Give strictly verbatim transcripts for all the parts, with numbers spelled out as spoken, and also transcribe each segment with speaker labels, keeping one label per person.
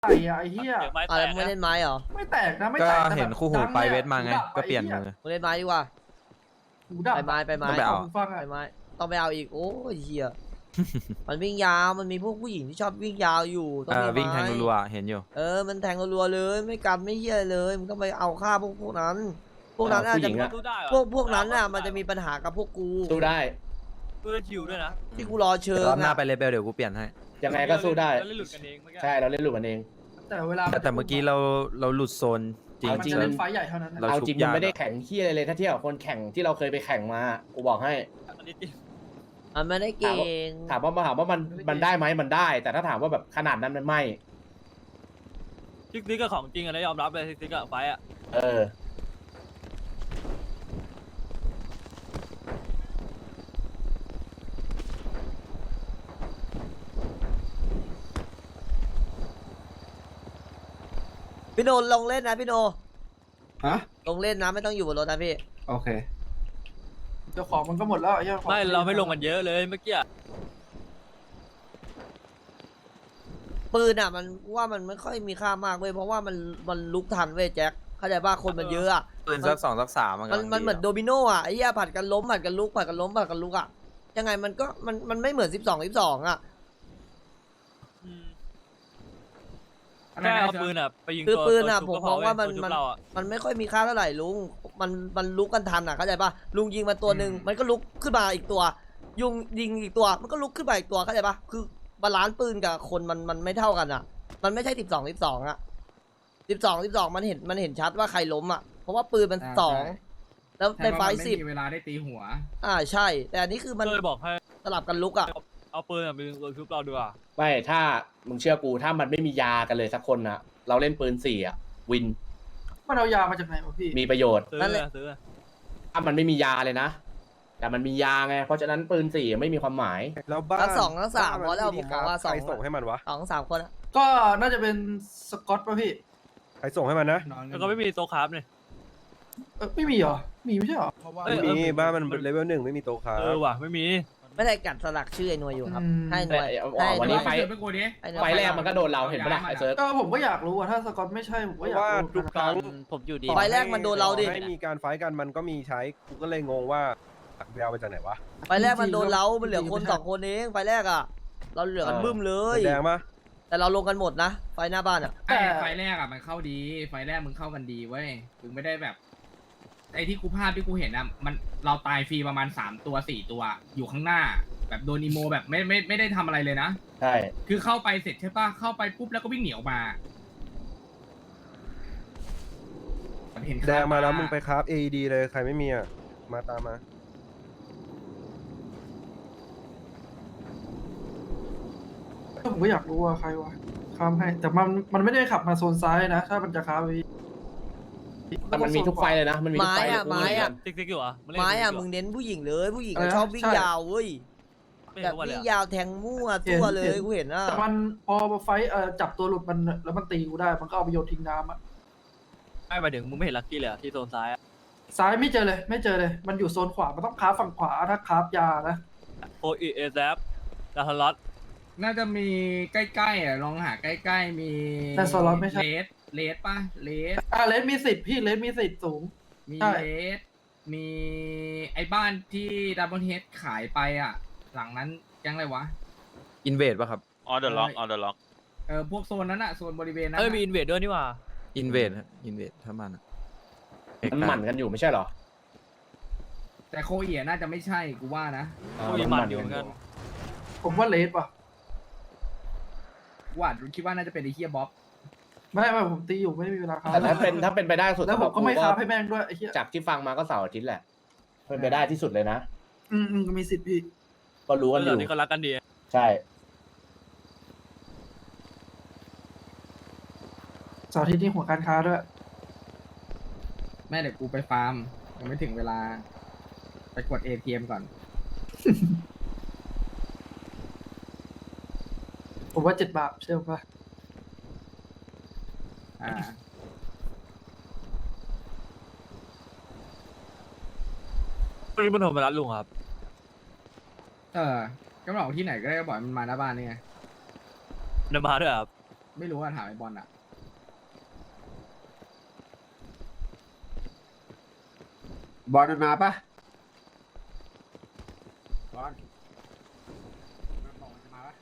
Speaker 1: ไอ้อะไอ้เหี้ย
Speaker 2: เดี๋ยวไม้
Speaker 3: อ่ะ
Speaker 2: แต
Speaker 3: แล้ว
Speaker 2: ก
Speaker 3: มึงไม่
Speaker 2: นะ
Speaker 3: เล่นไม้เหรอ
Speaker 1: ไม่แตกนะไม่
Speaker 4: ก็
Speaker 1: แตกแต่
Speaker 4: เห็น
Speaker 1: แบบ
Speaker 4: คู่หู
Speaker 1: ดัง
Speaker 4: ไป
Speaker 1: นี่ย
Speaker 4: เวทมาไง
Speaker 1: หูดับ
Speaker 4: ก็เปลี่ยน
Speaker 1: ไอ้
Speaker 4: มื
Speaker 1: หี้
Speaker 4: อ
Speaker 3: มึงเล่นไม้ดีกว่า
Speaker 1: หูดับ
Speaker 3: ไปไม้ไปไม้
Speaker 4: ต้องไปเอา
Speaker 1: หูฟังอะ
Speaker 3: ไปไม้ต้องไปเอาอีกโอ้ยเฮีย มันวิ่งยาวมันมีพวกผู้หญิงที่ชอบวิ่งยาวอยู่ต้อง
Speaker 4: เอ
Speaker 3: มี
Speaker 4: อวิ่งแทง
Speaker 3: ไม้
Speaker 4: รัวๆเห็นอยู่
Speaker 3: เออมันแทงรัวๆเลยไม่กันไม่เฮียเลยมึงต้องไปเอาฆ่าพวกพวกนั้น พวกนั้นอาจ
Speaker 5: ผู้ห
Speaker 3: จะ
Speaker 5: ญิงอะ
Speaker 2: สู้ได้เหรอ
Speaker 3: พวกพวกนั้นน่ะมันจะมีปัญหากับพวกกู
Speaker 5: สู้ได้
Speaker 2: เพื่อชิวด้วยนะ
Speaker 3: ที่กูรอเชิญ
Speaker 4: รอบหน้า
Speaker 3: อะ
Speaker 4: ไปเลเบลเดี๋ยวกูเปลี่ยนให้
Speaker 5: ยังไงก็สู้ได้
Speaker 2: เราเล่นหลุดกันเองเมื่อกี้
Speaker 5: ใช่เราเล่นหลุดกันเอง
Speaker 1: แต่เวลา
Speaker 4: แต่แต่เมื่อกี้เราเราหลุดโซนจริง
Speaker 5: เอา
Speaker 1: มัน
Speaker 5: จริง
Speaker 1: จะ
Speaker 4: ๆ
Speaker 1: เล่นไฟใหญ่เท่านั้น
Speaker 4: เรา
Speaker 5: เอา
Speaker 4: ชุบ
Speaker 5: จริง
Speaker 4: ยาก
Speaker 5: มันไม่ได้แข่งที่อะไรเลยถ้าเทียบกับคนแข่งที่เราเคยไปแข่งมากูบอกให้
Speaker 2: อันนี้จริง
Speaker 3: มันไม่ได้เก่ง
Speaker 5: ถามว่าถามว่ามันมันได้ไหมมันได้ แต่ถ้าถามว่าแบบขนาดนั้นมันไม่
Speaker 2: ซิกซิกก็ของจริงอะนะยอมรับเลยซิกซิกอะไฟอะ
Speaker 5: เออ
Speaker 3: พี่โนลงเล่นนะพี่โน
Speaker 6: ฮะ
Speaker 3: ลงเล่นนะไม่ต้องอยู่บนรถนะพี่
Speaker 6: โอเค
Speaker 1: เจ้าของมันก็หมดแล้วไอ้เหี้ยของ
Speaker 2: ไม่เราไม่ลงกันเยอะเลยเมื่อกี้อะ
Speaker 3: ปืนอ่ะมันว่ามันไม่ค่อยมีค่ามากเว้ยเพราะว่ามันมันลุกทันเว้ยแจ็คเข้าใจป่ะคนมันเยอะอ่ะ
Speaker 4: ปืนสักสองสักสามมัน
Speaker 3: มัน
Speaker 4: กำลัง
Speaker 3: มันเหมือน
Speaker 4: ดี
Speaker 3: โดมิโนอ่ะไอ้เหี้ยผัดกันล้มผัดกันลุกผัดกันล้มผัดกันลุกอ่ะยังไงมันก็มันมันไม่เหมือนสิบสองสิบสองอ่ะ
Speaker 2: อืมแค่เอาปืนอะไปยิง
Speaker 3: คือ
Speaker 2: ตัว
Speaker 3: ปืนอ่ะ
Speaker 2: ตัว
Speaker 3: ผม
Speaker 2: ชุบก็
Speaker 3: มองว่ามัน
Speaker 2: ตัวชุบ
Speaker 3: มัน
Speaker 2: เราอะ
Speaker 3: มันไม่ค่อยมีค่าเท่าไหร่ลุงมันมันลุกกันทันอ่ะเข้าใจป่ะลุงยิงมาตัวหนึ่งมันก็ลุกขึ้นมาอีกตัว ยุงยิงอีกตัวมันก็ลุกขึ้นมาอีกตัวเข้าใจป่ะคือบาลานซ์ปืนกับคนมันมันไม่เท่ากันอ่ะ มันไม่ใช่สิบสองสิบสองอ่ะสิบสองสิบสองมันเห็นมันเห็นชัดว่าใครล้มอ่ะเพราะว่าปืนมัน
Speaker 6: อ่า
Speaker 3: สอง
Speaker 6: ใช่
Speaker 3: แล้วในไฟ
Speaker 6: ใช่ว่ามัน
Speaker 3: สิบ
Speaker 6: ไม่มีเวลาได้ตีหัว
Speaker 3: อ่าใช่ แต่อันนี้คือมัน
Speaker 2: ก็เลยบอกให้
Speaker 3: สลับกันลุกอ่ะ
Speaker 2: เอาปืนอะไปยิงตัวชุบเราดีกว่า
Speaker 5: ไม่ถ้ามึงเชื่อกูถ้ามันไม่มียากันเลยสักคนนะเราเล่นปืนสี่อะวิน
Speaker 1: มันเอายามาจากไหนวะพี่
Speaker 5: มีประโยชน์
Speaker 2: ซื้อ
Speaker 3: นั่นแหละ
Speaker 2: อะซื้ออะ
Speaker 5: ถ้ามันไม่มียาเลยนะ แต่มันมียาไง เพราะฉะนั้นปืนสี่ไม่มีความหมาย
Speaker 7: แล้วบ้าน
Speaker 3: ทั้งสองทั้งสาม
Speaker 7: บ้น
Speaker 3: พอแล้ว
Speaker 7: ที่
Speaker 3: ผมมองว่าสอง
Speaker 7: ใครส่งให้มันวะ
Speaker 3: สองสามคนอะ
Speaker 1: ก็น่าจะเป็นสกอตป่ะพี่
Speaker 7: ใครส่งให้มันนะ
Speaker 2: แล้วก็ไม่มีโต๊ะคราฟเนี่ย
Speaker 1: เออไม่มีเหรอมีไม่ใช่เหรอ
Speaker 2: เอ้ย
Speaker 7: ไม่มี
Speaker 2: เออ
Speaker 7: บ้านมันเลเวลหนึ่งไม่มีโต๊ะค้า
Speaker 2: เออว่ะไม่มี
Speaker 3: ไม่ได้กัดสลักชื่อไอ้หน่วยอยู่ครับ
Speaker 1: อืม
Speaker 3: ให้หน่วย
Speaker 5: แต่เอา
Speaker 3: ให้ห
Speaker 5: วัน
Speaker 3: น่
Speaker 5: นี้
Speaker 3: วย
Speaker 5: ไฟ
Speaker 6: ไปกูดิ
Speaker 3: ให้หน่วย
Speaker 5: ไฟแรกมันก็โดนเราเห็นปะล่ะไอ้เซิร์ฟ
Speaker 1: ก็ผมก็อยากรู้อะถ้าสกอตไม่ใช่ผม
Speaker 7: เพ
Speaker 1: ก็อยาก
Speaker 7: ราะว่า
Speaker 1: รู้
Speaker 7: ทุกครั้ง
Speaker 2: ผมอยู่ดี
Speaker 3: ไฟแรกมันโดนเราดิ
Speaker 7: ให้มีการไฟท์กันมันก็มีใช้กูก็เลยงงว่าไปเอามาจากไหนวะ
Speaker 3: ไฟแรกมันโดนเรา มันเหลือคนสองคนเอง ไฟแรกอ่ะ เราเหลือกันบึ้มเลย
Speaker 7: แดงปะ
Speaker 3: แต่เราลงกันหมดนะ ไฟหน้าบ้านอ่ะ
Speaker 6: ไอ้ไฟแรกอ่ะมันเข้าดี ไฟแรกมึงเข้ากันดีเว้ยถึงไม่ได้แบบ ไอ้ที่กูภาพที่กูเห็นอ่ะมันเราตายฟรีประมาณสามตัวสี่ตัวอยู่ข้างหน้า แบบโดนอีโมแบบไม่ไม่ไม่ได้ทำอะไรเลยนะ
Speaker 5: ใช่
Speaker 6: คือเข้าไปเสร็จใช่ปะเข้าไปปุ๊บแล้วก็วิ่งหนีออกมาเห็น
Speaker 7: แดงมาแล้วมึงไปคราฟ เอ อี ดี เลยใครไม่มีอ่ะมาตามมา
Speaker 1: ผมก็อยากรู้ว่าใครวะข้ามให้ แต่มันมันไม่ได้ขับมาโซนซ้ายนะ ถ้ามันจะข้ามไป
Speaker 5: แต่มันมีทุกไฟเลยนะ มันมีทุกไฟ
Speaker 3: ไม้อะไม้อะ
Speaker 2: ซิกซิกอยู่เหรอนเล่น
Speaker 3: ไม้อ่ะ
Speaker 2: ซิกซิก
Speaker 3: มึง
Speaker 2: ยู่
Speaker 3: เน้นผู้หญิงเลย ผู้หญิง
Speaker 1: อะไร
Speaker 3: อะ
Speaker 1: นะ
Speaker 3: ชอบวิ่ง
Speaker 1: ใช่
Speaker 3: ยาวเว้ย
Speaker 2: ไม่
Speaker 3: แบ
Speaker 2: เห็น
Speaker 3: บ
Speaker 2: ทุกวันเลย
Speaker 3: วิ่ง
Speaker 2: อะ
Speaker 3: ยาวแทงมั่วตัวเลย
Speaker 1: เห็น
Speaker 3: กูเห็นอ่ะ
Speaker 1: แต่มันพอไฟเอ่อจับตัวหลุดมันแล้วมันตีกูได้ มันก็เอาไปโยนทิ้งน้ำอะ
Speaker 2: ไม่หมายถึงมึงไม่เห็นลักกี้เลยอะที่โซนซ้ายอะ
Speaker 1: ซ้ายไม่เจอเลย ไม่เจอเลย มันอยู่โซนขวา มันต้องคาบฝั่งขวาถ้าคาบยานะ
Speaker 2: โอเอเอแซฟดาทารัส
Speaker 6: น่าจะมีใกล้ๆอ่ะลองหาใกล้ๆมี
Speaker 1: แต่สล็อตไม่ใช่
Speaker 6: เลสเลสป่ะเลส
Speaker 1: อ่าเลสมีสิทธิ์พี่เลสมีสิทธิ์สูง
Speaker 6: มี
Speaker 1: ใช่
Speaker 6: เลส มีไอ้บ้านที่ดับเบิลเฮดขายไปอ่ะ หลังนั้นยังไรวะ
Speaker 4: อินเวดป่ะครับ
Speaker 8: ออเดอร์ล็อกออเดอร์ล็อก
Speaker 6: เออพวกโซนนั้นอะโซนบริเวณนั้น
Speaker 2: เอ้ย
Speaker 6: อะ
Speaker 2: มีอินเวดด้วยนี่หว่า
Speaker 4: อินเวดอินเวดถ้ามันอะ
Speaker 5: มันหมั่นกันอยู่ไม่ใช่เหรอ
Speaker 6: แต่โคเอียน่าจะไม่ใช่กูว่านะ
Speaker 2: กูยังมันอยู่เหมือนกัน
Speaker 1: ผมว่าเลสป่ะ
Speaker 6: กูว่าคิดว่าน่าจะเป็นไอ้เฮียบ๊อบ
Speaker 1: ไม่ไม่ผมตีอยู่ไม่มีเวลาคาบ
Speaker 5: แต่ถ้าเป็นถ้าเป็นไปได้สุด
Speaker 1: แล้วผมก็ไม่
Speaker 5: สำห
Speaker 1: คา
Speaker 5: รั
Speaker 1: บบ ให้แม่งด้วยไอ้เหี้ย
Speaker 5: จากที่ฟังมาก็เสาร์อาทิตย์แหละ เป็นไปได้ที่สุดเลยนะ
Speaker 1: อืมอืมมีสิทธิ์พี่
Speaker 5: ก็รู้กันอ
Speaker 2: เดี๋ย
Speaker 5: ยู่
Speaker 2: วนี้เขารักกันดี
Speaker 5: ใช่
Speaker 1: เสาร์อาทิตย์นี่หัวการค้าด้วย
Speaker 6: แม่เดี๋ยวกูไปฟาร์มยังไม่ถึงเวลา ไปกด เอ ที เอ็ม ก่อน
Speaker 1: ผมว่าเจ็ดบาทเชื่อป่ะ
Speaker 6: อ่า
Speaker 2: พรุ่งนี้มันโทรมารับลุงครับ
Speaker 6: เออก็บอกที่ไหนก็ได้ก็บอกให้มันมาหน้าบ้านนี่ไง
Speaker 2: เดินมาด้วยครับ
Speaker 6: ไม่รู้ว่าถามไอ้บอลอ่ะ
Speaker 8: บอลมันมาปะบอลมันบอกมันจะมาปะ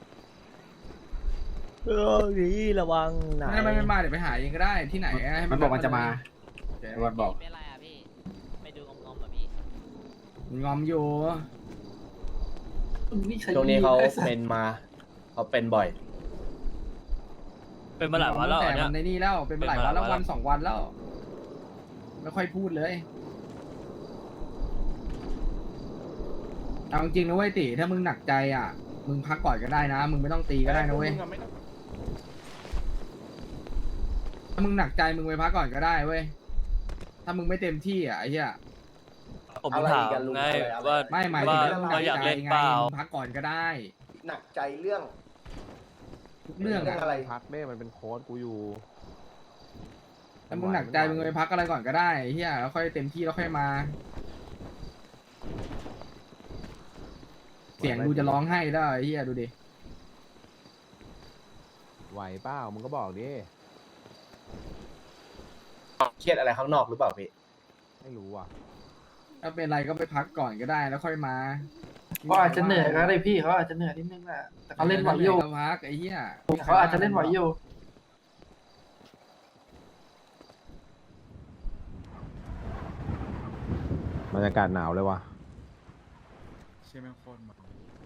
Speaker 3: เออนี่ระวังไหน
Speaker 6: ไม่ไม่ไม่มาเดี๋ยวไปหาเองก็ได้ที่ไหนให้
Speaker 8: มันบอกมันจะมา
Speaker 6: โอเค
Speaker 8: บอลบอก
Speaker 9: เป็นไรอ่ะพี่ ไม่ดูงอมๆเหรอพี่
Speaker 6: งอมอยู่
Speaker 1: นี่ใคร
Speaker 5: ช่วงนี้เขา
Speaker 1: ไอ้สัส
Speaker 5: เป็นมาเขาเป็นบ่อย
Speaker 2: เป็นมาหลายวันแล้ว
Speaker 6: แต่
Speaker 2: อันเนี้
Speaker 6: มั
Speaker 2: ย
Speaker 6: นในนี่แล้วเป็นมาหลายวันแล้ววันสองวันแล้ว ไม่ค่อยพูดเลยเอาจริงๆนะเว้ยติถ้ามึงหนักใจอ่ะ มึงพักก่อนก็ได้นะ มึงไม่ต้องตีก็ได้นะเว้ยถ้ามึงหนักใจมึงไปพักก่อนก็ได้เว้ยถ้ามึงไม่เต็มที่อ่ะไอ้เหี้ย
Speaker 2: ผมถามไงว่า
Speaker 6: ไม่หมายถึง
Speaker 2: ว่า
Speaker 6: เรื่องหนั
Speaker 2: ว่าก อยาก
Speaker 6: ใจ
Speaker 2: เล่น
Speaker 6: ไง
Speaker 2: เปล่า
Speaker 6: มึงพักก่อนก็ได้
Speaker 10: หนักใจเรื่อง
Speaker 6: ทุกเรื่องอะ
Speaker 10: อะไร
Speaker 7: พักเน่มันเป็นโค้ดกูอยู่
Speaker 6: ถ้ามึงหนักใจมึงไปพักอะไรก่อนก็ได้ไอ้เฮียแล้วค่อยเต็มที่แล้วค่อยมา เสียงดูจะร้องไห้ได้ไอ้เฮียดูดิ
Speaker 7: ไหวเปล่ามึงก็บอกดิ
Speaker 5: เครียดอะไรข้างนอกหรือเปล่าพี่
Speaker 7: ไม่รู้อ่ะ
Speaker 6: ถ้าเป็นไรก็ไปพักก่อนก็ได้แล้วค่อยมา
Speaker 1: เขาอาจจะเหนื่อยก็ได้พี่เขาอาจจะเหนื่อยนิดนึงแหละแต่เขาเล่นไหวอยู่
Speaker 6: ก็พักไอ้เฮีย
Speaker 1: เขาอาจจะเล่นไหวอยู่
Speaker 7: บรรยากาศหนาวเลยว่ะ
Speaker 2: ใช่ไหมโคตรมา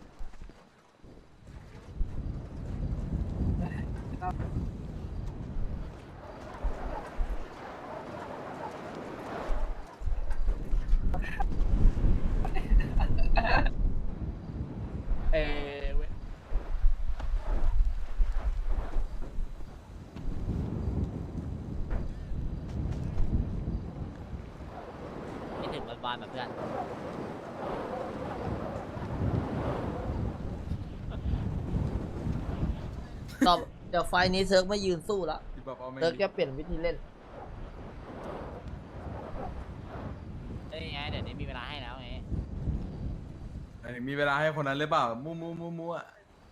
Speaker 5: เอเว้ย
Speaker 9: คิดถึงวันวานๆแบบเพื่อน
Speaker 3: ต่อเดี๋ยวไฟล์นี้เซิร์กไม่ยืนสู้ละ
Speaker 2: พี่บอกเอาไม่
Speaker 3: เซิร์กจะเปลี่ยนวิธีเล่น
Speaker 9: เอ้ยไง เดี๋ยวนี้มีเวลาให้แล้วไง
Speaker 2: มีเวลาให้คนนั้นหรือเปล่ามูมูมูมูอ่ะ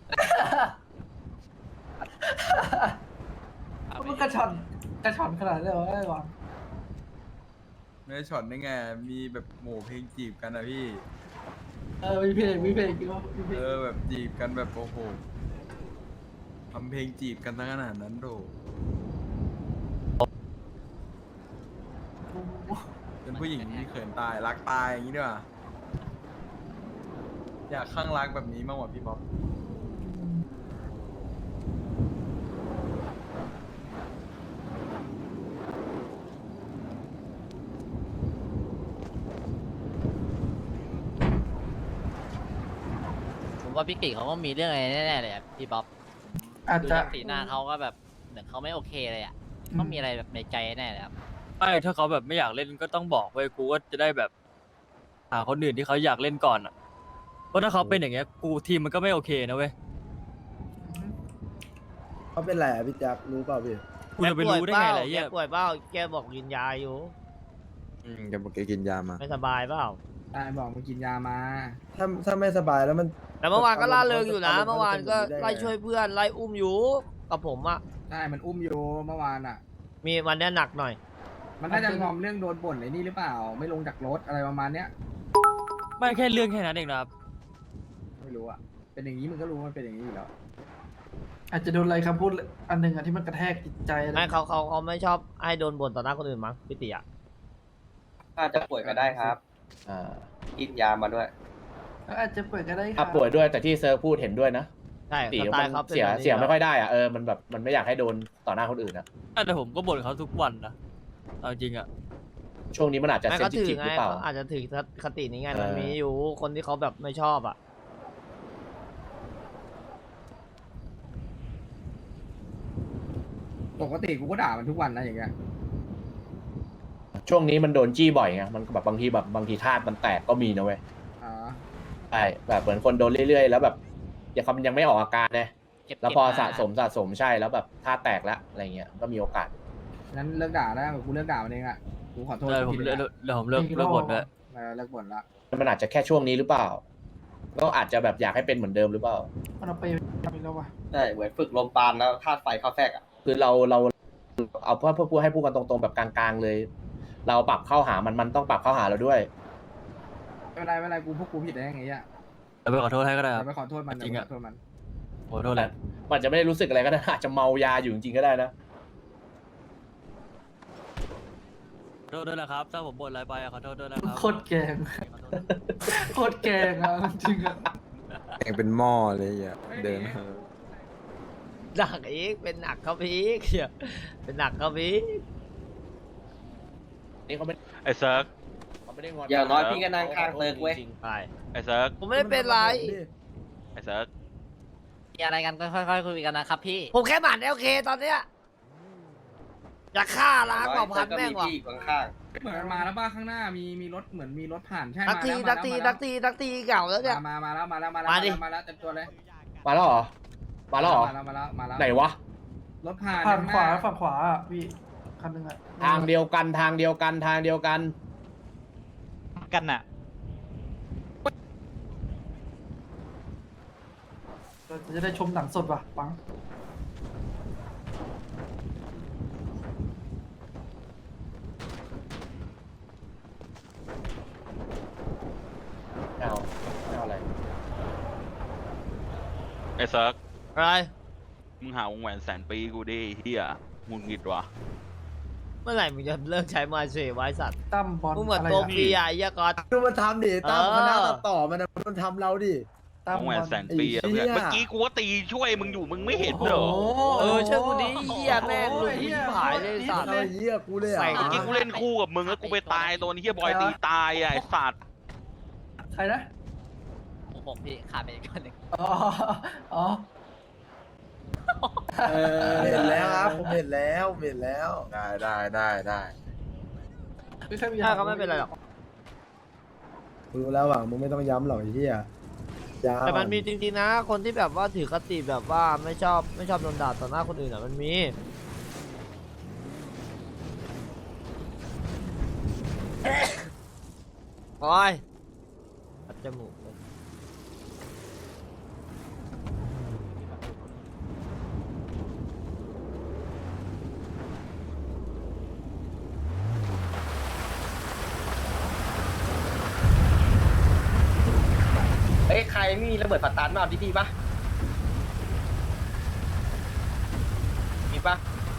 Speaker 1: มันกระชอนกระชอนขนาดนี้เหรอไอ้หวัง
Speaker 2: ไม่ได้ช็อตได้ไง มีแบบโหมเพลงจีบกันนะพี่
Speaker 1: เออมีเพลงมีเพลงจริงวะมีเพลง
Speaker 2: เออแบบจีบกันแบบโอ้โหทำเพลงจีบกันทั้งขนาดนั้นโดเป็นผู้หญิงที่เขินตายรักตายอย่างนี้ดีกว่าอยากข้างรักแบบนี้มากกว่าพี่บ๊อบ
Speaker 9: ผมว่าพี่กิเขาก็มีเรื่องอะไรแน่ๆเลยอะพี่บ๊อบ
Speaker 1: อาจ
Speaker 9: ดู
Speaker 1: จะ
Speaker 9: จากสีหน้าเขาก็แบบเหมือนเขาไม่โอเคเลยอ่ะต้องมีอะไรแบบในใจแน่เลยครับ
Speaker 2: ไม่ถ้าเขาแบบไม่อยากเล่นก็ต้องบอกไว้กูก็จะได้แบบหาคนอื่นที่เขาอยากเล่นก่อนอ่ะเพราะถ้าเขาเป็นอย่างเงี้ยกูทีมมันก็ไม่โอเคนะเว้ย
Speaker 10: เขาเป็นไรอ่ะพี่แจ๊ครู้เปล่าพี่
Speaker 2: กูจะไปรู้ได้ไงล่ะไอ้
Speaker 3: แก
Speaker 2: เหี้ย
Speaker 3: ป่วยเปล่าแกบอกกินยาอยู่
Speaker 4: อืมแกบอกแกกินยามา
Speaker 3: ไม่สบายเปล่า
Speaker 6: ได้บอกมึงกินยามา
Speaker 10: ถ้าถ้าไม่สบายแล้วมัน
Speaker 3: แต่เมื่อวานก็ล่าเริงอยู่นะ
Speaker 10: อารมณ์
Speaker 3: เมื่อวานก็
Speaker 10: เขาจะเป็นไปได้ไง
Speaker 3: ไล่ช่วยเพื่อนไล่อุ้มอยู่กับผมอะ
Speaker 6: ใช่มันอุ้มโยเมื่อวานอ่ะ
Speaker 3: มีวันเนี้ยหนักหน่อย
Speaker 6: มันน่าจะงอมเรื่องโดนบ่นไอ้นี่หรือเปล่า ไม่ลงจากรถอะไรประมาณเนี้ย
Speaker 2: ไม่แค่เรื่องแค่นั้นเองนะครับ
Speaker 6: ไม่รู้อ่ะ เป็นอย่างนี้มึงก็รู้ว่ามันเป็นอย่างนี้อยู่แล้ว
Speaker 1: อาจจะโดนอะไรคำพูดอันหนึ่งอะที่มันกระแทกจิตใจอะไร
Speaker 3: ไม่เขาเขาเขาไม่ชอบให้โดนบ่นต่อหน้าคนอื่นมั้งพี่ติอะ
Speaker 10: อาจจะป่วยก็ได้ครับ
Speaker 5: อ่า
Speaker 10: กินยามาด้วย
Speaker 1: ก็อาจจะเปิดก็ได้ค
Speaker 5: ถ้า
Speaker 1: รับ
Speaker 5: ป่วยด้วยแต่ที่เซิร์ฟพูดเห็นด้วยนะ
Speaker 3: ใช่
Speaker 5: ตี
Speaker 3: สไต
Speaker 5: มั
Speaker 3: ล์เขา
Speaker 5: น
Speaker 3: เป็น
Speaker 5: เสีย
Speaker 3: แบบนี้
Speaker 5: เสียไม่ค่อย
Speaker 3: แล้ว
Speaker 5: ได้อ่ะเออมันแบบมันไม่อยากให้โดนต่อหน้าคนอื่นนะ
Speaker 2: แต่ผมก็บ่นเขาทุกวันนะเอาจริงอ่ะ
Speaker 5: ช่วงนี้มันอาจจะ
Speaker 3: ไม่
Speaker 5: เซน
Speaker 3: เขา
Speaker 5: ซิ
Speaker 3: ถื
Speaker 5: ที
Speaker 3: อ
Speaker 5: ฟห
Speaker 3: ไง
Speaker 5: รือเปล่า
Speaker 3: เขาอาจจะถือคตินี้ไง
Speaker 5: เออ
Speaker 3: มันมีอยู่คนที่เขาแบบไม่ชอบอะ
Speaker 6: ปกติกูก็ด่ามันทุกวันนะอย่างเงี้ย
Speaker 5: ช่วงนี้มันโดนจี้บ่อยไงมันแบบบางทีแบบบางทีธาตุมันแตกก็มีนะเว้ย
Speaker 6: อ๋อ
Speaker 5: ใช่แบบเหมือนคนโดนเรื่อยๆ แล้วแบบยังเขายังไม่ออกอาการนะ
Speaker 9: เก็บ
Speaker 5: แล้วพอ
Speaker 9: เก็บมา
Speaker 5: สะสมสะสมใช่แล้วแบบธาตุแตกแล้วอะไรเงี้ยก็มีโอกาส
Speaker 6: งั้นเลิกด่าแล้วกูเลิกด่ามันเองอ่ะ กูขอโทษ
Speaker 2: เออผม
Speaker 6: ที
Speaker 2: เลิก
Speaker 6: นะ
Speaker 2: เดี๋ยวผมเลิกเลิกบ่นด้วย
Speaker 6: เออเลิกบ่นละ
Speaker 5: มันอาจจะแค่ช่วงนี้หรือเปล่า ก็อาจจะแบบอยากให้เป็นเหมือนเดิมหรือเปล่า
Speaker 1: มันเอาไปทำอีกแล้ววะ
Speaker 10: ใช่เหมือนฝึกลมปานแล้วธาตุไฟเข้าแทรกอ่ะ
Speaker 5: คือเราเราเอาเพื่อเพื่อให้พูดกันตรงๆแบบกลางๆเลย เราปรับเข้าหามันมันต้องปรับเข้าหาเราด้วย
Speaker 6: ไม่เป็นไรไม่เป็นไรกูพวกกูผิดได้ยังไงอ่ะ
Speaker 2: แล้วไปขอโทษให้ก็ได้ค
Speaker 6: เดี๋
Speaker 2: รั
Speaker 6: ย
Speaker 2: บ
Speaker 6: วไปขอโทษมัน
Speaker 2: จริง
Speaker 6: เดี๋ยว
Speaker 2: อะ
Speaker 6: ไปขอโทษมัน
Speaker 2: ขอโทษแหละ
Speaker 5: มันจะไม่ได้รู้สึกอะไรก็ได้ อาจจะเมายาอยู่จริงๆก็ได้นะ
Speaker 2: ขอโทษด้วยนะครับ ถ้าผมบ่นอะไรไปอะขอโทษด้วยนะครับ
Speaker 1: โคตรแกงโคตรแกงอ่ะจริงอ่ะ
Speaker 4: แข่งเป็นหม้อเลยอ่ะเดิน
Speaker 3: หนักอีกเป็นหนักเขาพีกเหี้ยเป็นหนักเขาพีก
Speaker 5: นี่เขาไม่
Speaker 11: ไอ้เซิร์ก
Speaker 5: เขาไม่ได้งอน
Speaker 10: อย่างน้อยพี่ก็นั่งข้างเติร์กเว้ย
Speaker 5: จริงๆ
Speaker 3: ไป
Speaker 11: ไอ้เซิร์ก
Speaker 3: ผมไม่ได้เป็นไร
Speaker 11: ไอ้เซิร์ก
Speaker 9: มีอะไรกันก็ค่อยๆคุยกันนะครับพี่
Speaker 3: ผมแค่หมั่นโอเคตอนเนี้ยอยากฆ่าล้างเผ่าพันธุ์
Speaker 10: ก็
Speaker 3: แม่
Speaker 10: มี
Speaker 3: งว่ะ
Speaker 10: พี่อยู่ข้าง
Speaker 6: เหมือนมันมาแล้วบ้าข้างหน้ามีมีรถเหมือนมีรถผ่านใช่
Speaker 3: นั
Speaker 6: มาก
Speaker 3: ตี
Speaker 6: แล้ว
Speaker 3: นักตี
Speaker 6: มา
Speaker 3: นั
Speaker 6: แล้ว
Speaker 3: กตีนักตีเก่าแล้วเนี่ย
Speaker 6: มามาแล้วมาแล้วมาแล้ว
Speaker 3: มาดิ
Speaker 6: มาแล้วเต็มตัวเลย
Speaker 5: มาแล้วเหรอ มาแล้วเหรอ
Speaker 6: มาแล้วมาแล้วมาแล้ว
Speaker 5: ไหนวะ
Speaker 6: รถผ่าน
Speaker 1: ผ่านขวา
Speaker 6: ข้งห
Speaker 1: ฝั่งขวาอ่ะพี่คันหนึงอ่ะ
Speaker 5: ทางเดียวกันทางเดียวกันทางเดียวกัน
Speaker 9: กันน่ะ
Speaker 1: เราจะได้ชมหนังสดว่ะปัง
Speaker 5: เอาไม่เอาอะไร
Speaker 11: ไอ้เซิร์ก
Speaker 3: อะไร
Speaker 11: มึงหาวงแหวนแสนปีกูดิเฮียมุนงิดวะ
Speaker 3: เมื่อไหร่มึงจะเลิกใช้มาเชไว้สัตว์
Speaker 1: ตั้มบอล
Speaker 3: มึงเหมือน
Speaker 1: อะไร
Speaker 3: ตัว
Speaker 1: อะ
Speaker 3: ฟรีอ่ะไอ้เหี้ยก๊อต
Speaker 10: ดูมันทำดิตั้ม
Speaker 3: เออ
Speaker 10: คณะตัดต่อมันนะมันทำเราดิ
Speaker 1: ตั้ม
Speaker 11: วง
Speaker 1: บ
Speaker 11: แหว
Speaker 1: อน ล
Speaker 11: แสนปีอะ
Speaker 10: ไอ้
Speaker 11: เพื่อน
Speaker 10: เหี้ย
Speaker 11: เมื่อกี้กูก็ตีช่วยมึงอยู่มึงไม่เห็นเหรอ
Speaker 1: โโห
Speaker 3: เออเชื่อกูดิเหี้ยแม่งหลุดที่หายเลยสัตว์
Speaker 10: ทำไอ้เหี้ยกูเลยอ่ะ
Speaker 3: ใส่
Speaker 11: เมื่อกี้กูเล่นคู่กับมึงแล้วกูไปตายตัวนี้เฮียบอยตีตายอะไอ้สัตว์
Speaker 1: ใครนะ
Speaker 9: ผมพี่ขาดไปอีกคนหนึ่ง
Speaker 1: อ๋ออ๋อ
Speaker 10: เออเห็นแล้วครับผมเห็นแล้วผมเห็นแล้ว
Speaker 4: ได้ได้ได้ได้
Speaker 1: ไม่ใช่มี
Speaker 3: ถ้าก็ไม่เป็นไรหรอก
Speaker 10: กูรู้แล้วหวังมึงไม่ต้องย้ำหรอกไอ้เหี้ยย้ำ
Speaker 3: แต่มันมีจริงๆนะ คนที่แบบว่าถือคติแบบว่าไม่ชอบไม่ชอบโดนด่าต่อหน้าคนอื่นอ่ะมันมีโอ้ยปัดจมูกเลย
Speaker 10: เอ้ยใครไม่มีระเบิดปัดตันมาเอาดีๆปะมีปะ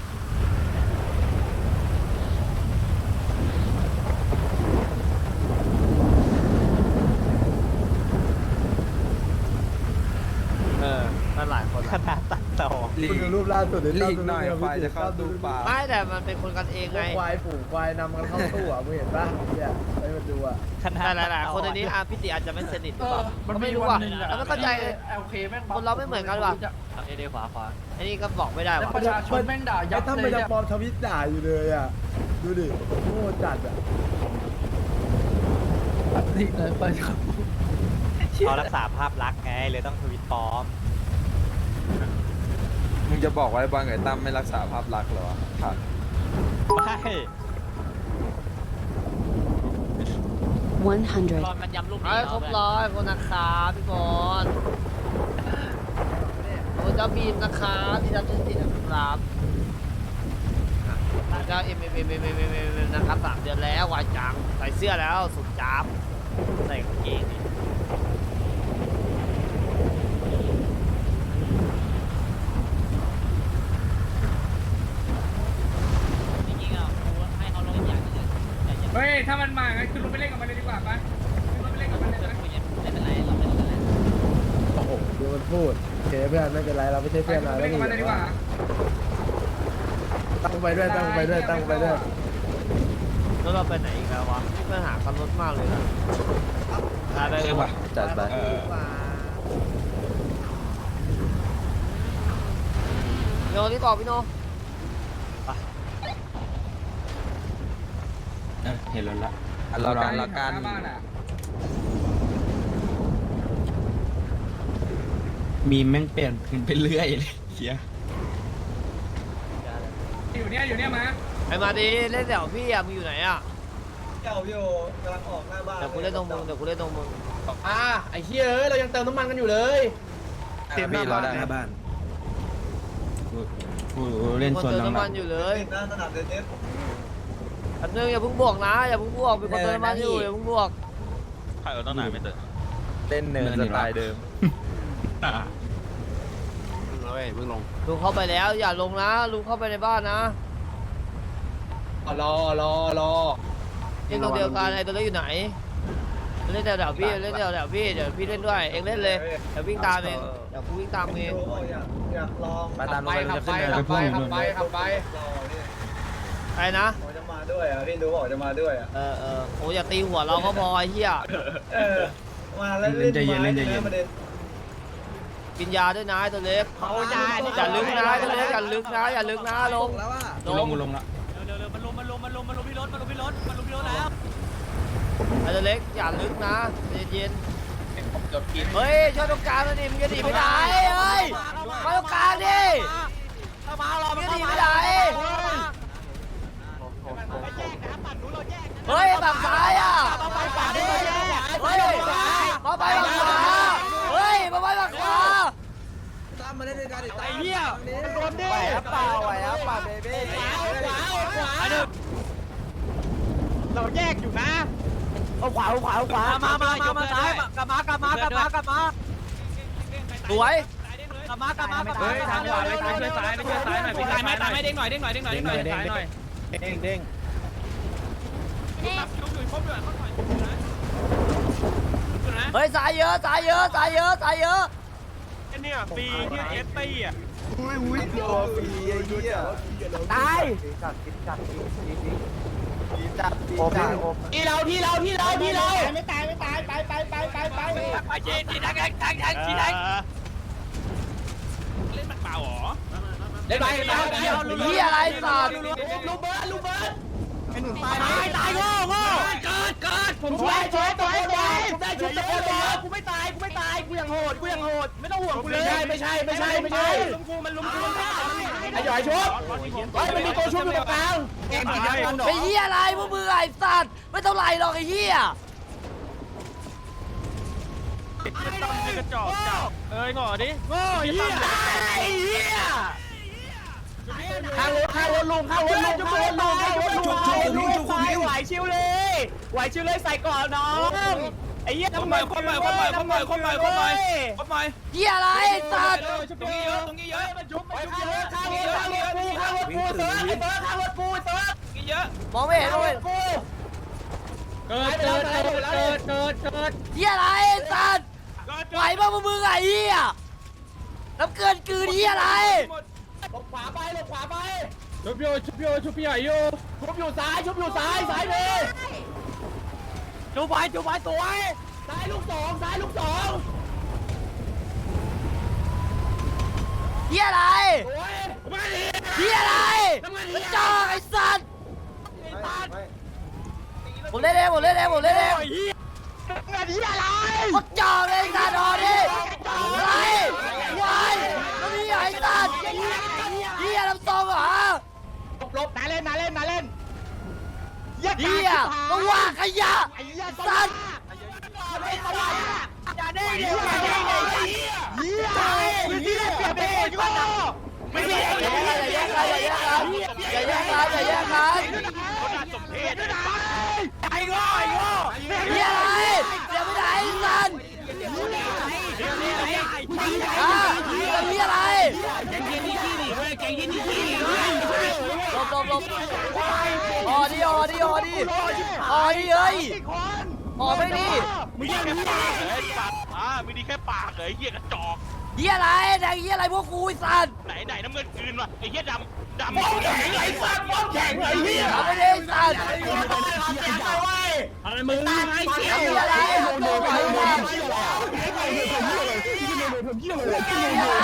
Speaker 3: เออมันหลายคนขนาดตัดต่อ
Speaker 10: คุณดูรูปล่าสุดเดี๋ยว
Speaker 4: ลีกหน่อยควายจะเข้าตู้ปลา
Speaker 3: ไม่แต่มันเป็นคนกันเอง
Speaker 10: พว
Speaker 3: ไง
Speaker 10: กควายฝูงควายนำกันเข้าตู้อ่ะมึงเห็นปะเนี่ยไปมาดูอ่ะ
Speaker 3: แต่หลายๆคนในนี้อ่ะพี่ติอาจจะไม่สนิทห
Speaker 1: เอ
Speaker 3: รือเป
Speaker 1: อ
Speaker 3: ล่า
Speaker 1: มัน
Speaker 3: ก็
Speaker 1: ไม่
Speaker 3: ไม่
Speaker 1: รู้
Speaker 3: รู้
Speaker 1: ว่า
Speaker 3: อ่ะแล้วไม่เข้าใจ
Speaker 1: เอลเคแม่ง
Speaker 3: คนเราไม่เหมือนกันว่ะ
Speaker 2: เอเดขวาขวา
Speaker 3: อันนี้ก็บอกไม่ได้
Speaker 1: แล้ว
Speaker 3: ว่ะ
Speaker 1: ประชาชนแม่งด่ายั
Speaker 10: ไอ้
Speaker 1: บ
Speaker 10: ตั้ม
Speaker 1: เล
Speaker 10: มัน
Speaker 1: ย
Speaker 10: ยัง
Speaker 1: เนี่ย
Speaker 10: ปลอมทวิตด่าอยู่เลยอ่ะดูดิโง่จัดอ่ะ
Speaker 1: นี่เลยไปครับ
Speaker 9: เขารักษาภาพลักษณ์ไงเลยต้องทวิตปลอม
Speaker 4: มึงจะบอกว่าไอ้บอลกับไอ้ตั้มไม่รักษาภาพลักษณ์เหรอครับ
Speaker 9: ไม่
Speaker 12: one hundred
Speaker 9: ตอนมันย้ำรูป
Speaker 3: ไอ้
Speaker 9: นี้
Speaker 3: ครบร้อยคนนะครับพี่บอลโอ้เจ้าบีมนะครับพี่รับชื่อติดนะครับเจ้าเอ็มเอ็มเอ็มเอ็มเอ็มเอ็มนะครับสามเดือนแล้ววายจังใส่เสื้อแล้วสุดจับใส่กางเกงดิ
Speaker 9: จริงๆอ่ะกูให้เขาลงอีกอย่างหนึงแต่ยัง
Speaker 6: เฮ้ยถ้ามันมางั้นขึ้นรถไปเล่นกับมันเลยดีกว่าปะขึ้นรถไปเล่นกับมันเลย
Speaker 9: ไม่
Speaker 6: นะ
Speaker 9: ไม่เป็นไรเราไม่รู้กันแล้ว
Speaker 10: โอ้โหดูมันพูดโอเคเพื่อนไม่เป็นไรเราไม่ใช่
Speaker 6: ไป
Speaker 10: เพื่อน
Speaker 6: ขึ้น
Speaker 10: เรา
Speaker 6: รถไป
Speaker 10: แล้ว
Speaker 6: เล่นกับมันเลยดีกว่า
Speaker 10: ตั้งไปด้วยตั้งไปด้วยตั้งไปด้วย
Speaker 3: แล้วเราไปไหนอีกแล้ววะเพื่อนหาคันรถมากเลยนะพาไปเลยว่ะ
Speaker 4: จัดไป
Speaker 3: โยนี่บอกพี่โน
Speaker 4: เห็นแล้วละรอกันรอกัน
Speaker 6: หน้าบ้านอ่ะ
Speaker 8: มีแม่งเปลี่ยนพื้นไปเรื่อยเลยเฮีย
Speaker 6: อยู่เนี่ยอยู่เนี่ยมา
Speaker 3: ไอ้มาดีเล่นแถวพี่อ่ะมึงอยู่ไหนอ่ะ
Speaker 10: เจ้าพี่โอกำลังออกหน้าบ้าน
Speaker 3: เดี๋ยวกูเล่นตรงมึงเดี๋ยวกูเล่นตรงมึง
Speaker 5: อ่าไอ้เหี้ยเอ้ยเรายังเติมน้ำมันกันอยู่เลย
Speaker 4: ไหน
Speaker 7: เตรียมหน้าบ้านหน้าบ้าน
Speaker 3: เล่นส่วนน้ำมันอยู่เลยอันนึงอย่าเพิ่งบวกนะอย่าเพิ่งบวกเป็นคนเติมน้ำมันอยู่อย่าเพิ่งบวก
Speaker 11: ใครเอาตั้งนานไม่เติม
Speaker 4: เล่นเนินสไตล์เดิม
Speaker 3: ลุงเข้าไปแล้วอย่าลงนะลุงเข้าไปในบ้านนะ
Speaker 5: รอรอรอ
Speaker 3: เองตรงเดียวกันไอ้ตัวเล็กอยู่ไหนเล่นแถวๆพี่เล่นแถวๆพี่เดี๋ยวพี่เล่นด้วยเองเล่นเลยเดี๋ยววิ่งตามเองเดี๋ยวกูวิ่งตามเอง
Speaker 4: ไปตามลงไปจะขึ้นเนิน
Speaker 5: ขับไปขับไปขับไป
Speaker 3: ใครนะ
Speaker 7: จะมาด้วยอ่ะพี่รู้บอกจะมาด้วยอ่ะ
Speaker 3: เออเออโอ้อย่าตีหัวเราก็พอไอ้เหี้ย
Speaker 7: เออมาแล้วเล่นใจเย็นเล่นใจเย็น
Speaker 3: กินยาด้วยนะไอ้ตัวเล็กอย่าลึกนะไอ้ตัวเล็กอย่าลึกนะอย่าลึกนะลงลงลงละ
Speaker 2: เร็วๆมันลงมันลงมันลงมันลงพี่รถมันลงพี่รถมันลงพี่รถแล้ว
Speaker 3: ไอ้ตัวเล็กอย่าลึกนะเย็นๆเฮ้ยช่วยตรงกลางหน่อยดิมึงจะหนีไปไหนเฮ้ยมาตรงกลางดิมึงจะหนีไปไหนเฮ้ยฝั่งซ้ายอ่ะเฮ้ยมาไปฝั่งขวาเฮ้ยมาไปฝั่งขวา
Speaker 2: ไอ้เหี้ยมันโดนดิ
Speaker 5: ไหวครับเปล่าไหวครับเปล่าเบบี้
Speaker 2: เราแยกอยู่นะ
Speaker 5: เอาขวาเอาขวาเอาขวา
Speaker 2: มามามามาซ้ายกลับมากลับมากลับมากลับมา
Speaker 3: สวย
Speaker 2: กลับมากลับมากลับมาทางขวาไม่ช่วยซ้ายไม่ช่วยซ้ายหน่อยพี่ซ้ายไม่ตามไม่เด้งหน่อยเด้งหน่อยเด้งหน่อยเด้งหน่อยซ้ายหน่อย
Speaker 5: เด้งเด้ง
Speaker 3: เฮ้ยสายเยอะสายเยอะสายเยอะสายเยอะ
Speaker 11: เนี่ยฟรีที่เอสตี้อ่ะ
Speaker 7: อุ้ยอุ้ยรอฟรีไอ้เหี้ย
Speaker 3: ตาย
Speaker 5: จัดกินจัดกินกินกินจัดโอ้โห
Speaker 3: ที่เราที่เราที่เราที่เรา
Speaker 2: ไปจีนจีนแทงแทงแทงจีนแทงเล่นมันเปล่าหรอ
Speaker 3: เล่นไปเล่นไปนี่อะไรสัตว์
Speaker 2: ลูกเบิร์ดลูกเบิร์ดไอ้หนุ่มตายตายตายโง่โง่เกิดเกิดผมช่วยช่วยตัวเองได้ผมได้ชุดตะโกนบอกกูไม่ตายกูไม่ตายกูยังโหดกูยังโหดไม่ต้องห่วงกูเลยไม่ใช่ไม่ใช่ไม่ใช่ลุมกูมันลุมกูไอ้หยอยชุบเฮ้ยมันมีตัวชุบอยู่ตรงกลาง
Speaker 3: ไอ้เหี้ยอะไรพวกมึงไอ้สัตว์ไม่เท่าไหร่หรอกไอ้เหี้ย
Speaker 11: กระจอกจับเอ้ยงอดิ
Speaker 2: โง่เหี้ยไอ้เหี้ย
Speaker 3: ข้างรถข้างรถลุงข้างรถลุงข้างรถลุงข้างรถลุง
Speaker 2: ไหวชิวเลยไหวชิวเลยใส่ก่อนน้องไอ้เหี้ยทำไมคนใหม่คนใหม่คนใหม่คนใหม่คนใหม่คนใหม่
Speaker 3: เหี้ยอะไรไอ้สัตว์
Speaker 2: ตรงนี้เยอะตรงนี้เยอะมันชุบมันชุบเยอะข้างรถข้างรถกูข้างรถกูเติร์ไอ้เติร์ข้างรถกูเติร์นี่เยอะ
Speaker 3: มองไม่เห็นเลย
Speaker 2: เกิดเกิดเกิดเกิดเกิดเกิด
Speaker 3: เหี้ยอะไรไอ้สัตว์ไหวป่ะพวกมึงไอ้เหี้ยน้ำเกินกืนเหี้ยอะไร
Speaker 2: หลบขวาไปหลบขวาไปชุบโยชุบโยชุบพี่ใหญ่โยชุบอยู่ซ้ายชุบอยู่ซ้ายซ้ายเลยจุบไปจุบไปสวยซ้ายลูกสองซ้ายลูกสอง
Speaker 3: เหี้ยอะไร
Speaker 2: สวยมาดิ
Speaker 3: เหี้ยอะไรกระจอกไอ้สัตว์ผมเล่นเองผมเล่นเองผมเล่นเอง
Speaker 2: งานนี้อะไร
Speaker 3: กระจอกเลยไอ้สัตว์อ๋อดิอะไรวายมันมีไอ้สัตว์เหี้ยลำตองเหรอ
Speaker 2: ลบนาเล่นนาเล่นนาเล่น
Speaker 3: เหี้ยก็ว่าขยะสัตว์
Speaker 2: อย่าได้เดี๋ยวอย่าได้เหี้ยไม่ได้เปลี่ยนเป็นคนก็ไม่ได้
Speaker 3: อย่าแยกกันอย่าแยกกันอย่าแยกกันอย่าแยกกัน
Speaker 11: คนน่าสมเพช
Speaker 2: ไอ้โง่ไอ้โง่
Speaker 3: เหี้ยอะไรเดี๋ยวไม่ได้ไอ้สัตว์อ่ะเหี้ยอะไรหลบหลบหลบอ๋อดิอ๋อดิอ๋อดิอ๋อดิเอ้ยอ๋อไม่ดิ
Speaker 11: มึงยังปากเลยปากอ่ามีดีแค่ปากเลยเหี้ยกระจอก
Speaker 3: เหี้ยอะไรแดงเหี้ยอะไรพวกกูไอ้สัตว์
Speaker 11: ไหนไหนน้ำเงินคืนวะไอ้เหี้ยดำดำไอ้สัตว์แข็งไอ้เหี้ย
Speaker 3: เอาไม่ได้ไอ้สัตว์
Speaker 2: อะไรมึงไอ้เหี้ย
Speaker 3: เหี้ยอะไรโง่ไอ้สัตว์เหี้ยอะไร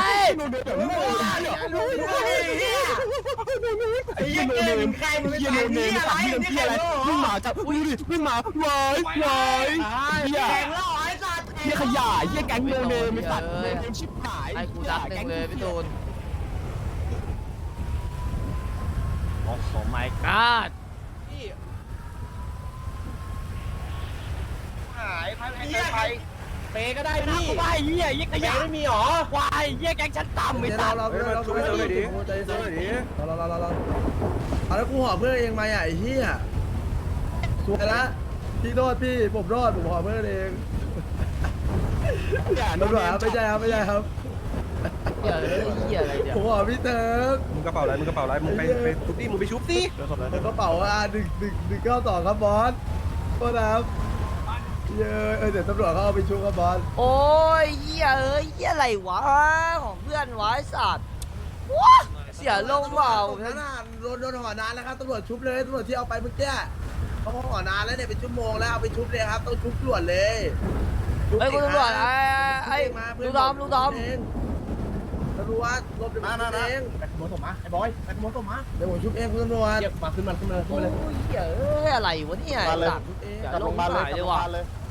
Speaker 2: ไอ้เหี้ยเนมใครมึงเหี้ยเนมสัตว์เหี้ยเหี้ยอะไรมึงหมาจับอุ้ยดิมึงหมาไหวไหวเหี้ยเหี้ยขยะเหี้ยแก๊งโนเนมไอ้สัตว์โนเนมชิบหาย
Speaker 3: ให้กูดักหนึ่งเลยพี่ตูนโอ้โห my god
Speaker 7: หายไปไป
Speaker 2: เปก็ได้พี่ไปเฮียยิ่งขยะไม่มีหรอควายเฮียแกงชั้นต่ำไม่
Speaker 10: เดี๋ยว
Speaker 2: ตั
Speaker 10: เรา
Speaker 2: ด
Speaker 10: เราเราเราเราใจเย็นใจเย็นเราเราเราเราเอาแล้วกูหอเพื่อนเองมาอ่ะไอ้เหี้ยสวยละพี่โทษพี่ผมรอดผมหอเพื่อนเองตำรวจครับไม่ใช่ครับไม่ใช่ครับ
Speaker 3: เหี้ยเลยเหี้ยอะไรเนี่ย
Speaker 10: ผมหอพี่เติร์ก
Speaker 7: มึงกระเป๋าอะไรมึงกระเป๋าอะไรมึงไปไปทุบดิมึงไปชุบสิ
Speaker 10: กระเป๋าอ่ะหนึ่งหนึ่งหนึ่งเก้าสองครับบอสโทษนะครับเยอะเออเดี๋ยวตำรวจเขาเอาไปชุบครับบอส
Speaker 3: โอ้ยเหี้ยเอ้ยเหี้ยอะไรวะของเพื่อนวะไอ้สัตว์ว้าเสียลงเปล่า
Speaker 10: นั่นน่ะโดนโดนหอนานแล้วครับตำรวจชุบเลยตำรวจที่เอาไปเมื่อกี้เขาหอนานแล้วเนี่ยเป็นชั่วโมงแล้วเอาไปชุบเลยครับต้องชุบตำรวจเลย
Speaker 3: เฮ้ยคุณตำรวจไอ้ไอ้ลูกดอมลูกดอม
Speaker 10: ตำรวจรวบเดี๋ยวผมชุบเองไปขโมยศพมาไอ้บอยไปขโมยศพมาเดี๋ยวผมชุบเองคุณตำรวจเก็บมาขึ้นมาขึ้นมาขึ้น
Speaker 3: โอ้
Speaker 10: มาเลย
Speaker 3: ยเหี้ยเอ้ยอะไรวะเนี่ยไอ้สัตว์
Speaker 10: ชุบเอง
Speaker 3: อย่าลงมาเลยว่ะ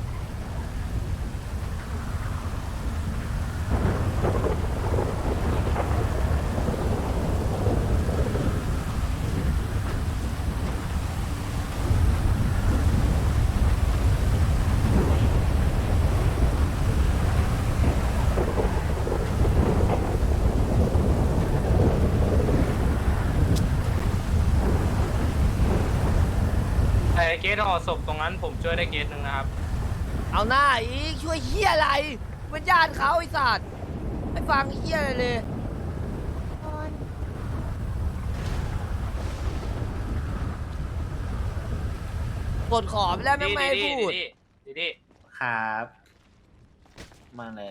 Speaker 11: ไอ้เกตห่อศพตรงนั้นผมช่วยได้เกตหนึ่งนะครับ
Speaker 3: เอาหน้าอีกช่วยเหี้ยอะไรเป็นญาติเขาไอ้สัตว์ไม่ฟังเหี้ยอะไรเลยกดขอไปแล้วไม่ไม่ให้พูด
Speaker 11: ดีดีดี
Speaker 9: ครับ มาเลย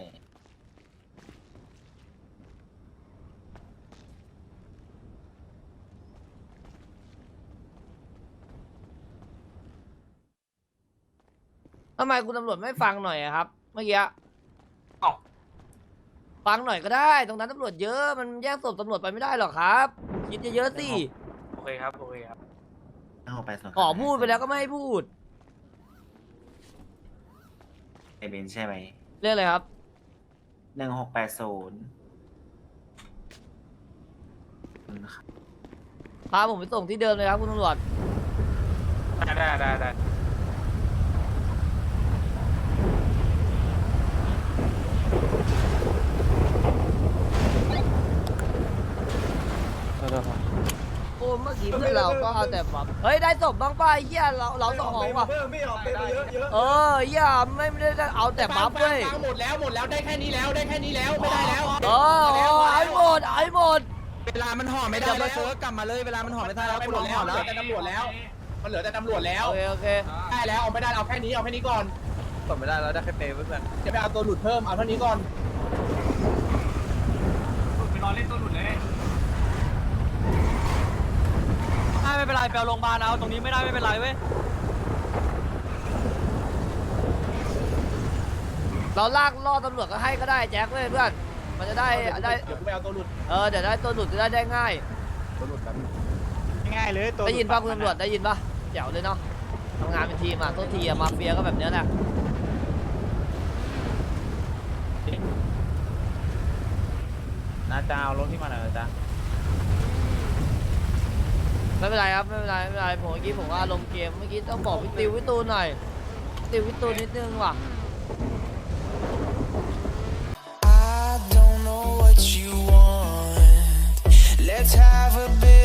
Speaker 3: ทำไมคุณตำรวจไม่ฟังหน่อยอะครับ เมื่อกี้
Speaker 11: เอ้า
Speaker 3: ฟังหน่อยก็ได้ ตรงนั้นตำรวจเยอะมันแย่งศพตำรวจไปไม่ได้หรอกครับคิดเยอะๆสิ
Speaker 11: โอเคครับโอเคครับ
Speaker 9: เอาไปสอง
Speaker 3: ขอพูดไปแล้วก็ไม่ให้พูด
Speaker 9: ไอเบนใช่ไหม
Speaker 3: เรื่องอะไรครับ
Speaker 9: หนึ่งหกแปดศูนย์
Speaker 3: พาผมไปส่งที่เดิมเลยครับคุณตำรวจ
Speaker 11: ได้ได้ได้ได้
Speaker 3: โอ้เมื่อกี้เพื่อนเราก็เอาแต่แบบเฮ้ยได้ศพบ้างป่ะไอ้เหี้ยเราเราต้องของว่ะ
Speaker 7: ไม่ออกไปเยอะเยอะ
Speaker 3: เออเหี้ยไม่ไม่ได้เอาแต่บัฟเว้ย
Speaker 2: หมดแล้วหมดแล้วได้แค่นี้แล้วได้แค่นี้แล้วไม่ได้แล้ว
Speaker 3: เออเออไอ้หมดไอ้หมด
Speaker 2: เวลามันห่อไม่ได้แล้วเซิร์ฟกลับมาเลยเวลามันห่อไม่ได้แล้วกูลองห่อแล้วแต่ตำรวจแล้วมันเหลือแต่ตำรวจแล้ว
Speaker 3: โอเคโอเค
Speaker 2: ได้แล้วเอาไม่ได้เอาแค่นี้เอาแค่นี้ก่อน
Speaker 7: กดไม่ได้แล้วได้แค่เปย์เพื่อน
Speaker 2: จะไปเอาตัวหลุดเพิ่มเอาเท่านี้ก่อน
Speaker 6: ไปรอเล่นตัวหลุดเลย
Speaker 2: ไม่เป็นไรไปเอาโรงพยาบาลเอาตรงนี้ไม่ได้ไม่เป็นไรเว้ย
Speaker 3: เราลากล่อตำรวจก็ให้ก็ได้แจ็คเว้ยเพื่อนมันจะได้ได้
Speaker 2: เดี๋ยวกูไปเอาตัวหลุด
Speaker 3: เออเดี๋ยวได้ตัวหลุดจะได้ได้ง่าย
Speaker 7: ตัวหลุดกัน
Speaker 2: ง่ายเลยตัว
Speaker 3: ได้ยินป่ะคุณตำรวจได้ยินป่ะเจ๋วเลยเนาะทำงานเป็นทีมอ่ะต้นทีอ่ะมาเฟียก็แบบเนี้ยแหละ
Speaker 9: น้าจ้าเอารถที่มาหน่อยจ้า
Speaker 3: ไม่เป็นไรครับไม่เป็นไรไม่เป็นไรผมเมื่อกี้ผมว่าลงเกมเมื่อกี้ต้องบอกพี่ติวพี่ตูนหน่อยติวพี่ตูนนิดนึงว่ะ
Speaker 13: I don't know what you want. Let's have a bit